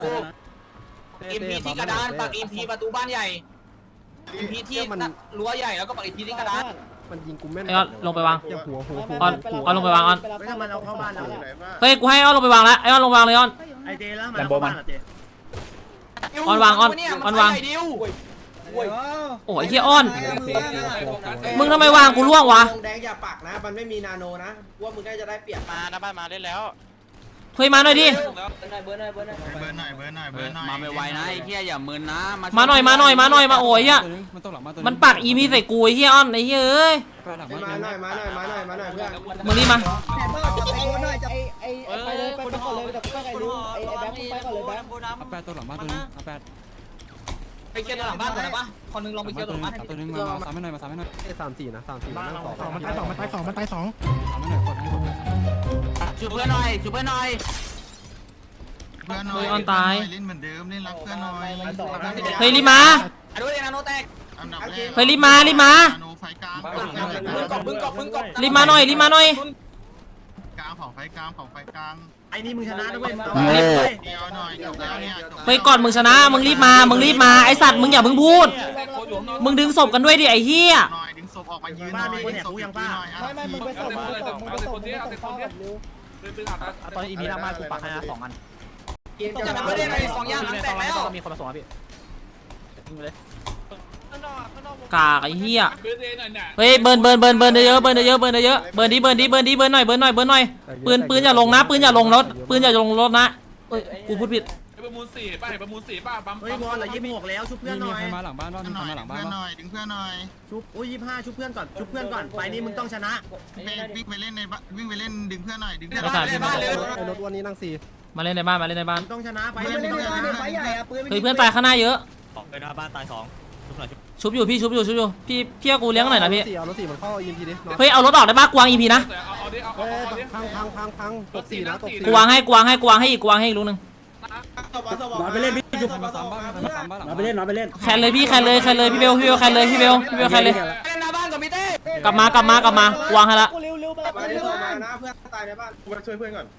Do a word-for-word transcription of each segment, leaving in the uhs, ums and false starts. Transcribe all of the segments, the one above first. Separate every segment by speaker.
Speaker 1: อิมพีที่กระดานปักอิมพีประตูบ้านใหญ่อิมพีที่รั้วใหญ่แล้วก็ปักอิมพีที่กระดาน
Speaker 2: มันยิงกูแม่น
Speaker 3: ไอ้ออนลงไปวาง
Speaker 2: หัวหัวหัว
Speaker 3: ออนออนลงไปวางออน
Speaker 4: ไม่ทำมันเอาเข้าบ้านแล้ว
Speaker 3: เฮ้ยกูให้ออนลงไปวางแล้วไอ้ออนลงวางเลยออน
Speaker 4: ไอเจแล้วมันเข้าบ้านอ่ะเจ
Speaker 3: ออนวางออนออนวางโอ้ยเฮียออนมึงทำไมวางกูล่วงวะ
Speaker 5: แดงอย่าปักนะมันไม่มีนาโนนะว่ามึงได้จะได้เปรียบ
Speaker 1: มาหน้าบ้านมาเล่นแล้ว
Speaker 3: เฮ้ยมาหน่อยดิ
Speaker 5: เบอร์หน่อยเบอร์หน่อยเบอร์หน่อยเบอร์หน่อย
Speaker 6: เบิร์นหน่อยเบิร์นหน่อยเบิร์นหน่อย
Speaker 1: มาไม่ไวนะไอ้เหี้ยอย่ามึนนะ
Speaker 3: มาหน่อยมาหน่อยมาหน่อยมาโอ้ยเฮียมันปักอีพีใส่กูไอ้เฮียออนไอ้เฮียเอ้ย
Speaker 5: มาหน่อยมาหน่อยมาหน่อยมาหน่อยเพื่อน
Speaker 3: มึงนี่มา
Speaker 7: ไอ้ไอ้ไปเลยไปก่อนเลยแต่ไปไอ้ลุงไอ้แบงค์ไปก่อนเลยแบงค์
Speaker 8: เอาแปดตัวหลังบ้านตัวนึงเอาแปด
Speaker 1: ไปเคลียร์ตัวหลังบ้านก่อนนะปะคนนึงลองไปเคลียร์ตัวหลังบ้าน
Speaker 8: ตัวนึงมามาสามให้หน่อยมาสามให้หน่อย
Speaker 2: สามสี่นะสามสี่นั่งสอง
Speaker 9: มันตายสองมันตายสองมันตายสอง
Speaker 8: สามให้หน่อยกดให้กด
Speaker 1: ช่วยเพื่อนหน่อยช่วยเพื่อนหน่อย
Speaker 6: เพื่อนหน่อยเล่นเหมือนเดิมเล่นรักเพื่อนหน่อย
Speaker 3: เฮ้ยรีบมา
Speaker 1: อ่ะด้วยนาโนแตก
Speaker 6: อันดับแรก
Speaker 3: เฮ้ยรีบมารีบมา
Speaker 6: โนไฟกลาง
Speaker 1: มึงกบมึงกบมึงกบ
Speaker 3: รีบมาหน่อยรีบมาหน่อย
Speaker 6: กลางเผาไฟกลางเผาไฟกลาง
Speaker 4: ไอ้นี่มึงชนะด้วย
Speaker 6: เดียวหน่อยจบแล้วเนี่ยจบ
Speaker 3: เฮ้ยก่อนมึงชนะมึงรีบมามึงรีบมาไอสัตว์มึงอย่าเพิ่งพูดมึงดึงศพกันด้วยดิไอ้เหี้ย
Speaker 6: หน่อยดึงศพออกมายืนหน่อยดึงศพยืนหน่อย
Speaker 7: ไม่ไม่มึงไปส่งมึงไปส่งมึงไปส่งมึงไปส่งข้าวกับเร็ว
Speaker 2: ตอนอีพีหน้ามากูปักให้นะสองอัน
Speaker 1: จะมาเล่นอะไรสองอย่างหลังแตกแล้ว
Speaker 2: มีคนมาส่งอ่ะพี่ยิงไปเลย
Speaker 3: กากไอ้เหี้ยเฮ้ยเบิร์นเบิร์นเบิร์นเบิร์นเยอะเบิร์นเยอะเบิร์นเยอะเบิร์นดิเบิร์นดิเบิร์นดิเบิร์นหน่อยเบิร์นหน่อยเบิร์นหน่อยปืนปืนอย่าลงนะปืนอย่าลงรถปืนอย่าลงรถนะเอ้ยกูพูดผิด
Speaker 9: ประมูลสี่ป่ะประมูลสี่ป่ะปั๊ม
Speaker 4: เฮ้ยบอลเหลือยี่สิบหกแล้วชุบเพื่อนห
Speaker 8: มี
Speaker 4: น่อย
Speaker 8: ใครมาหลังบ้านบ้างมี
Speaker 6: ห
Speaker 8: ใคร
Speaker 6: น่อย
Speaker 8: มาหลัง
Speaker 6: ดึง
Speaker 8: บ้าน
Speaker 6: เพื่อนห
Speaker 8: บ้าง
Speaker 6: น่อยดึงเพื่อนหน่อย
Speaker 4: ชุบอุ้ยยี่สิบห้าชุบเพื่อนก่อนชุบเพื่อนก่อนไฟนี้มึงต้องชนะ
Speaker 6: วิ่งไปเล่นในวิ่งไปเล่นดึงเพื่อนหน่อยดึงเพื่อน
Speaker 3: ไม่ขาดพี่
Speaker 2: ไอ้รถวันนี้นั่งสี่
Speaker 3: มาเล่นในบ้านมาเล่นในบ้าน
Speaker 4: ต้องชนะไฟ
Speaker 5: ไม่ได้บ้านเนี่ยไฟใหญ่อะปืน
Speaker 3: เฮ้ยเพื่อนตายข้างหน้าเยอะ
Speaker 2: ไปหน้าบ้านตายสอง
Speaker 3: ชุบอยู่พี่ชุบอยู่ชุบอยู่พี่พี่เอากูเลี้ยงหน่อยนะพี่
Speaker 2: สี่เอารถสี่มันเข้าอีพีดิ
Speaker 3: เฮ้ยเอารถออกได้ปะกวางอีพีนะ
Speaker 9: เอาดิเอา
Speaker 2: เฮ้ย
Speaker 9: เอาดิ
Speaker 2: พังพังพังพังตกสี่นะตกสี่
Speaker 3: กวางให้กวางให้กวางให้อีกกวางให้อีกลูกนึง
Speaker 5: นอนไปเล่นพี่จุ๊บ
Speaker 8: มาสามบ้านมาสามบ้านหลัง
Speaker 5: นอนไปเล่นนอนไปเล่น
Speaker 3: แคนเลยพี่แคนเลยแคนเลยพี่เบลพี่เบลแคนเลยพี่เบลพี่เบลแคนเลย
Speaker 1: เล่นหน้าบ้านก่อนพี่เต้
Speaker 3: กลับมากลับมากลับมากวางให้ละ
Speaker 7: เร็วเร็วไป
Speaker 5: มาเล่นมานะเพื่อนตายในบ้าน
Speaker 2: กูมาช่วยเพื่อนก่อน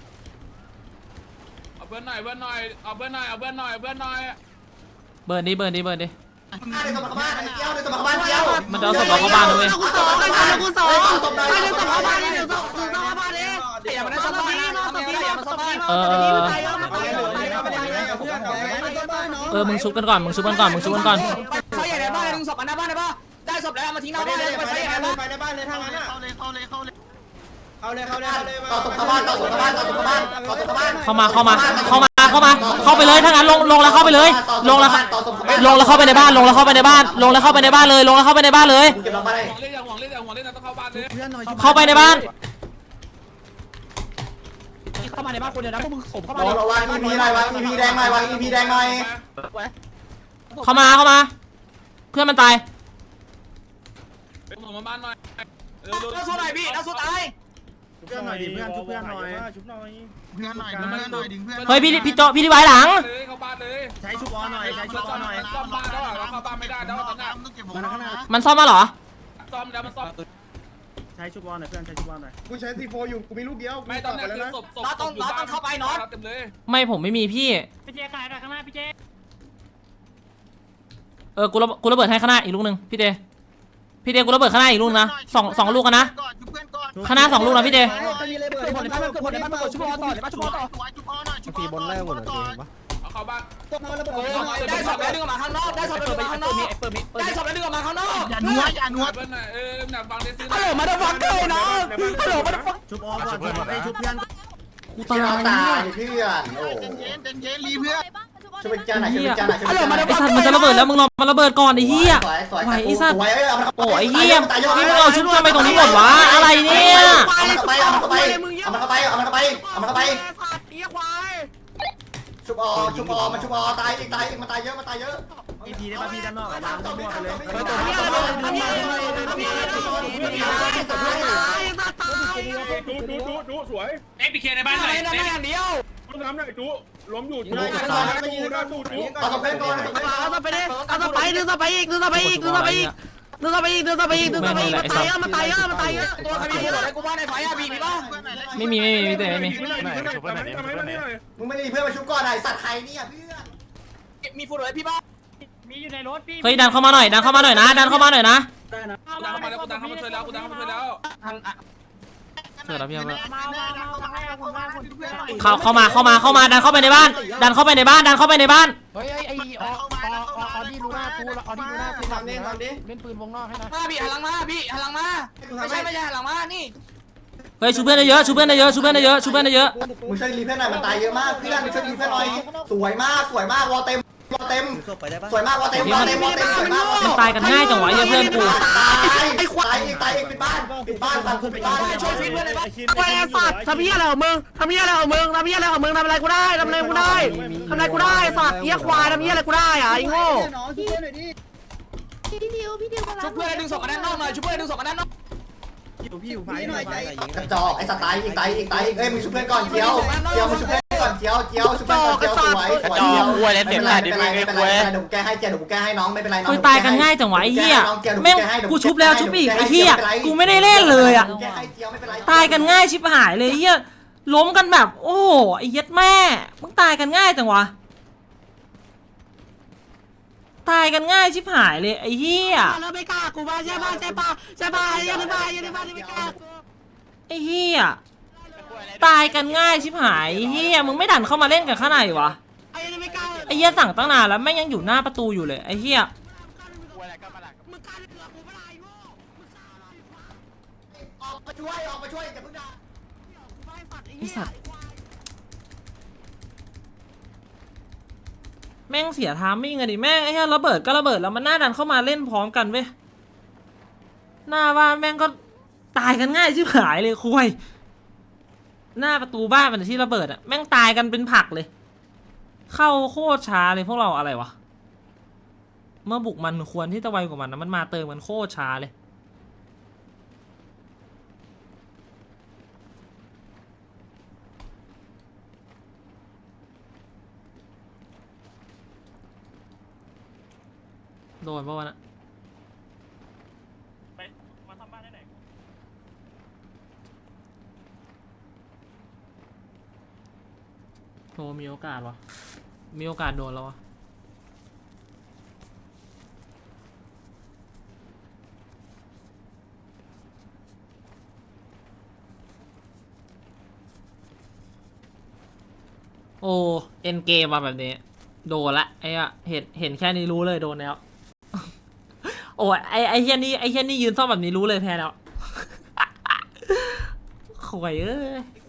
Speaker 9: เอาเพื่อนหน่อยเพื่อนหน่อยเอาเพื่อนหน่อยเอาเพื่อนหน่อยเอาเพื่อนหน่อย
Speaker 3: เบิร์นดิเบิร์นดิเบิร์นดิ
Speaker 5: ในสมองบ้านไอ้เกี้ยวในสมองบ้านเกี้ยว
Speaker 3: มันจะเอาศพเราเข้าบ้านนะเว้ย
Speaker 5: กูสองไอ้บ้านกูสองไอ้ในสมองบ้านนี่ในสมองบ้านนี่
Speaker 1: อย่ามาได้ซ่อมบ้านนะทำยังไงอย่ามาซ่อมบ้าน
Speaker 3: เออเออเออมึงชุบกันก่อนมึงชุบกันก่อนมึงชุบกันก่อน
Speaker 1: ไฟใหญ่ในบ้านดึงศพมาหน้าบ้านได้ปะได้ศพแล้วมาทิ้งหน้า
Speaker 5: ไป
Speaker 1: บ้านเลย
Speaker 5: ไป
Speaker 1: ไปไฟใหญ่ในบ้าน
Speaker 5: ไปในบ้านเลยถ้างั้นอ่ะ
Speaker 6: เข้าเลยเข้าเลยเข้าเลย
Speaker 5: เอาเลยเข้าเลยเข้าเลยต่อตกบ้านต่อตกบ้านต่อตกบ้านต่อตกบ้าน
Speaker 3: เข้ามาเข้ามาเข้ามาเข้ามาเข้าไปเลยถ้างั้นลงลงแล้วเข้าไปเลยลงแล้วลงแล้วเข้าไปในบ้านลงแล้วเข้าไปในบ้านลงแล้วเข้าไปในบ้านเลยลงแล้วเข้าไปในบ้านเลย
Speaker 5: เก็บลงไปเลย
Speaker 9: ห่วงเล่นอย่าห่วงเล่นอย่าห่วงเล่นนะต้องเข้าบ้านเลย
Speaker 4: เพื่อนหน่อย
Speaker 3: เข้าไปในบ้าน
Speaker 2: เข้ามาในบ้านคนเดียวนะพวกมึงสมเข้ามา
Speaker 5: วางวางอีพีหน่อยวางอีพีแดงหน่อยวางอีพีแดงหน่อย
Speaker 3: เข้ามาเข้ามาเพื่อนมันตาย
Speaker 9: เป็นห่วงมาบ้านหน่อยเร็ว
Speaker 1: น้าสู้หน่อยพี่น้าสู้ตาย
Speaker 4: เพื่อนหน่อยดิเพื่อนชุบเพื่อนหน่อย
Speaker 6: เพื่อนหน่อยดึงเพื่อนหน่อยดึงเพื่อน
Speaker 3: เฮ้ยพี่พี่โจพี่ที่ไว้หลัง
Speaker 9: เลยเข้าบ้านเลย
Speaker 4: ใช้ชุบออหน่อยใช้ชุบออหน่อย
Speaker 9: ซ่อมบ้านแล้วเราเข้าบ้านไม่ได้แล้วตอนนี้
Speaker 6: ต้องเก็บของนะ
Speaker 3: มันซ่อมมาเหรอ
Speaker 9: ซ่อมแล้วมันซ่อม
Speaker 4: ใช้ชุบออหน่อยเพื่อนใช้ชุบออหน่อย
Speaker 2: กูใช้ซีโฟอยู่กูมีลูกเดียว
Speaker 9: ไม่ตอนนี้คือศพศพ
Speaker 1: น้าต้องน้าต้องเข้าไปน้อง
Speaker 9: เต็มเลย
Speaker 3: ไม่ผมไม่มีพี่
Speaker 7: พี่เจขายหน่อยข้างหน้าพี่เจ
Speaker 3: เออกูระกูระเบิดให้ข้างหน้าอีกลูกนึงพี่เดพี่เดกูระเบิดข้างหน้าอีกลูกนะสองสองลูกกันนะข้างหน้าสองลูกนะพี่เด
Speaker 5: จะมีเลยเบิร์ดในบ้านเกิดในบ้านเกิดชุบอต่อในบ้านชุบอต่อ
Speaker 2: สี่บนแรกหมดเลยเห็นปะ
Speaker 9: เอาเข้าบ้าน
Speaker 5: ตัวมาระเบิด
Speaker 1: ได้ศพแล้วดึงออกมาข้างนอกได้ศพแล้วดึงออกมาข้างนอกได้ศพแล้วดึงออกมาข้างนอก
Speaker 6: อย่านัวอย่านัว
Speaker 9: เพื่อนหน่อยเออหนักฟังได้ซื้อ
Speaker 1: ฮัลโหลมาดับฟังเกอร์น้องฮัลโหลมาดับฟัง
Speaker 4: ชุบออก่อนชุบไอ้ชุบเพื่อน
Speaker 3: กูตาย
Speaker 5: ตายเพื่อนโอ้
Speaker 6: เย็นเย็นเย็นเย็นรีเพื่อน
Speaker 5: ช่วยเป็นจานไหนช่วยเป็นจานไหนช่วย
Speaker 3: ฮัลโหล
Speaker 5: เป็นจานไหน
Speaker 3: ไอสัตว์มันจะระเบิดแล้วมึงรอมันระเบิดก่อนไอ้เหี้ย ไหวไอ้สัตว์ โอ้ไอ้เหี้ยนี่มึงเอาชุดทำไมตรงนี้หมดวะอะไรเนี่ย
Speaker 5: เอามันเข้าไปเอามันเข้าไปเอามันเข้าไปเอามันเข้าไปเอามันเข้าไปชุบอชุบอมันชุบอตายอีกตายอีกมันตายเยอะมันตายเยอะ
Speaker 4: อีพีได้ป่ะพี่ด้านนอกอ่ะวางมั่วไปเลย
Speaker 9: ดูดูดูดูสวยเอ็กพีเคในบ้านหน่อย
Speaker 1: นั่นอย่างเดียว
Speaker 9: ดูน้ำหน่อยดูล้มอยู่
Speaker 5: ยิงเลยยิงเลยยิงเลยดูดูเอาสเปนก่อน
Speaker 4: เอาต่อไปดิเอาต่อไปดึงต่อไปอีกดึงต่อไปอีกดึงต่อไปอีกดึงเข้าไปอีกดึงเข้าไปอีกดึงเข้าไปอีกมันตายเยอะมันตายเยอะมันตายเยอะ
Speaker 1: ตัวใครมีหัวอะไรกูบ้านในไฟอ่ะบีบีป่ะ
Speaker 3: ไม่มีไม่มีไม่มีไม่มี
Speaker 5: มึงไม่ได้เพื่อนมาชุบก่อนไอ้สัตว์ไทยเนี่ยเพื่อน
Speaker 1: มีฟูดเลยพี่บ้า
Speaker 2: มีอยู่ในรถพี่
Speaker 3: เฮ้ยดันเข้ามาหน่อยดันเข้ามาหน่อยนะดันเข้ามาหน่อยนะ
Speaker 9: กูดังเข้ามาแล้วกูดังเข้ามาช่วยแล้วกูดังเข้ามาช่วยแล้ว
Speaker 1: ทาง
Speaker 3: เดี๋ยวเราพี่เอา
Speaker 2: มามามามาให้คุณมาคุณ
Speaker 3: เข้าเข้ามาเข้ามาเข้ามาดันเข้าไปในบ้าน ดันเข้าไปในบ้านดันเข้าไปในบ้าน
Speaker 2: เฮ้ยไอ้ไอ้ออออดี้ลูน่ากูออดี้ลูน่ากู
Speaker 5: ทำดิทำดิ
Speaker 2: เล่นปืนวงนอกให้หน่อย
Speaker 1: มาบีหันหลังมาบีหันหลังมาไม่ใช่ไม่ใช่หันหลังมานี่
Speaker 3: เฮ้ยชูเพื่อนได้เยอะชูเพื่อนได้เยอะชูเพื่อนได้เยอะชูเพื่อนได้เยอะ
Speaker 5: มึงช่วยรีเพื่อนหน่อยมันตายเยอะมากเพื่อนมึงช่วยรีเพื่อนหน่อยสวยมากสวยมากวอเต็มวอเต็มสวยมากวอเต็มวอเต็มวอเต็มสวยมาก
Speaker 3: มันตายกันง่ายจังวะเหี้ยเพื่อนกู
Speaker 5: ตายไอ้ควายอีกตายอีกปิดบ้านปิดบ้านฟังกูปิดบ้าน
Speaker 1: ช่วยฟิตเพื่อนเลยบ้าง
Speaker 4: ไอ้สัตว์ทำเหี้ยอะไรของมึงทำเหี้ยอะไรของมึงทำเหี้ยอะไรของมึงทำอะไรกูได้ทำอะไรกูได้ทำอะไรกูได้สัตว์เหี้ยควายทำเหี้ยอะไรกูได้อ่ะไอ้โง่
Speaker 7: น้องช่วยหน่อยดิ
Speaker 10: พี่ดิวพี่ดิวมารับ
Speaker 1: ช่วยเพื่อนดึงศพกันด้านนอกหน่อยช่วยเพื่อนดึงศพกันด้านนอก
Speaker 2: พี่อยู่ไฟ
Speaker 7: หน่อยใจ
Speaker 5: กระจอกไอ้สัตว์ตายอีกตายอีกตายอีกเอ้ยมึงช่วยเพื่อนก่อนเจียวเจียวมึงช่วยเพื่อนก่อนเจียวเจียวช่วยเพื่อนก่อนเจียวสวยสวยเจียวไม่เป็นไรไม่เป็นไรไม่เป็นไรเดี๋ยวกูแก้ให้เจียวเดี๋ยวกูแก้ให้น้องไม่เป็นไรน้อง
Speaker 3: คุยตายกันง่ายจังวะไอ้เหี้ยแม่งกูชุบแล้วชุบอีกไอ้เหี้ยกูไม่ได้เล่นเลยอ่ะ
Speaker 5: แก้ให้เจียวไม่เป็นไร
Speaker 3: ตายกันง่ายชิบหายเลยเหี้ยล้มกันแบบ โอ้โหไอ้เหี้ยแม่มึงตายกันง่ายจังวะตายกันง่ายชิบหายเลยไอ้เหี้ย
Speaker 4: แล้วไม่กล้ากูมาใช่ป่ะใช่ป่ะใช่ป่ะยังไม่มายังไม่มายังไม่กล้า
Speaker 3: ไอ้เหี้ยตายกันง่ายชิบหายไอ้เหี้ยมึงไม่ดันเข้ามาเล่นกันข้างในวะ
Speaker 4: ไอ้ยังไม่กล้า
Speaker 3: ไอ้เหี้ยสั่งตั้งนานแล้วแม่งยังอยู่หน้าประตูอยู่เลยไอ้เหี้ย
Speaker 4: มึงกล้าเหลือกูไม่ได้โง่มึงกล้าอะไร
Speaker 5: ออกมาช่วยออกมาช่วยอย่าเพิ่งด่า
Speaker 3: ไอ้สัตว์แม่งเสียทามมิ่งอะดิแม่งไอ้เหี้ยระเบิดก็ระเบิดแล้วมันหน้าดันเข้ามาเล่นพร้อมกันเว้ยหน้าบ้านแม่งก็ตายกันง่ายชิบหายเลยคุยหน้าประตูบ้านมันที่ระเบิดอะแม่งตายกันเป็นผักเลย เข้าโคตรช้าเลยพวกเราอะไรวะเมื่อบุกมันควรที่จะไวกว่ามันนะมันมาเติมกันโคตรช้าเลยโดนปะวะนะไปมาทำบ้านได้ไหนโอ้มีโอกาสวะมีโอกาสโดนแล้ววะโอ้เอ็นเกมมาแบบนี้โดนละไอ้อะเห็นเห็นแค่นี้รู้เลยโดนแล้ว โอ้ยไอ้ไอ้เฮียนี่ไอ้เฮียนี่ยืนซ่อมแบบนี้รู้เลยแพ้แล้ว ข่วยเอ้ย